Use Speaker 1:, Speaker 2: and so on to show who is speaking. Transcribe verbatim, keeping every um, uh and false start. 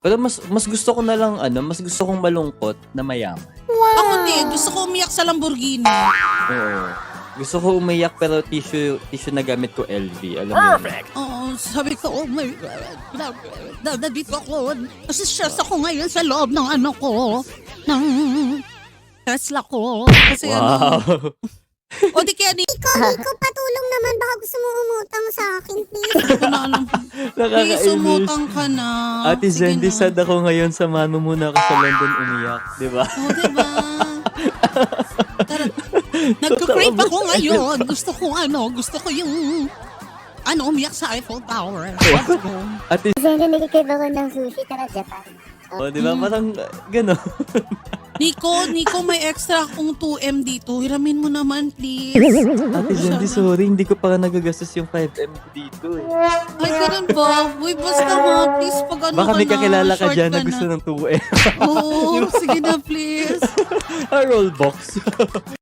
Speaker 1: Pero mas mas gusto ko na lang ano, mas gusto kong malungkot na mayaman.
Speaker 2: Ako din, gusto ko umiyak sa Lamborghini.
Speaker 1: Oo. Gusto ko umiyak pero tissue tissue na gamit ko L V. Alam mo yun?
Speaker 3: Perfect.
Speaker 2: Oo, sabi ko, oh my God, na, nandito ako. Kasi stress ako ngayon sa loob ng ano ko, ng Tesla ko. Kasi ano,
Speaker 1: Wow.
Speaker 2: o di kaya ni,
Speaker 4: Iko, Iko, patulong naman. Baka gusto mo umutang sa akin, please.
Speaker 2: ko na alam. Please,
Speaker 1: Nakakainis.
Speaker 2: umutang ka na.
Speaker 1: Ate
Speaker 2: Sige
Speaker 1: Zendy,
Speaker 2: na.
Speaker 1: sad ako ngayon. Samahan mo muna ako sa London umiyak. Di ba?
Speaker 2: O, diba? Tara, nagka-crave ako ngayon. Gusto ko ano, gusto ko yung, ano, umiyak sa Eiffel Tower. Let's go.
Speaker 1: Ate
Speaker 4: Siyempre, nagkikrave ako ng sushi. Tara, Japan.
Speaker 1: oh, di ba? Parang uh, gano'n.
Speaker 2: Nico, Nico, may extra akong two M dito. Hiramin mo naman, please.
Speaker 1: Ate Zendy, sorry. Hindi ko pa nagagastos yung five M ko dito eh.
Speaker 2: Ay, ganun ba? Uy, basta nga, please, pag ano
Speaker 1: Baka may
Speaker 2: ka na,
Speaker 1: kakilala ka
Speaker 2: short
Speaker 1: dyan na
Speaker 2: ka
Speaker 1: gusto
Speaker 2: na.
Speaker 1: ng two M.
Speaker 2: Oo, sige na, please.
Speaker 1: A roll box.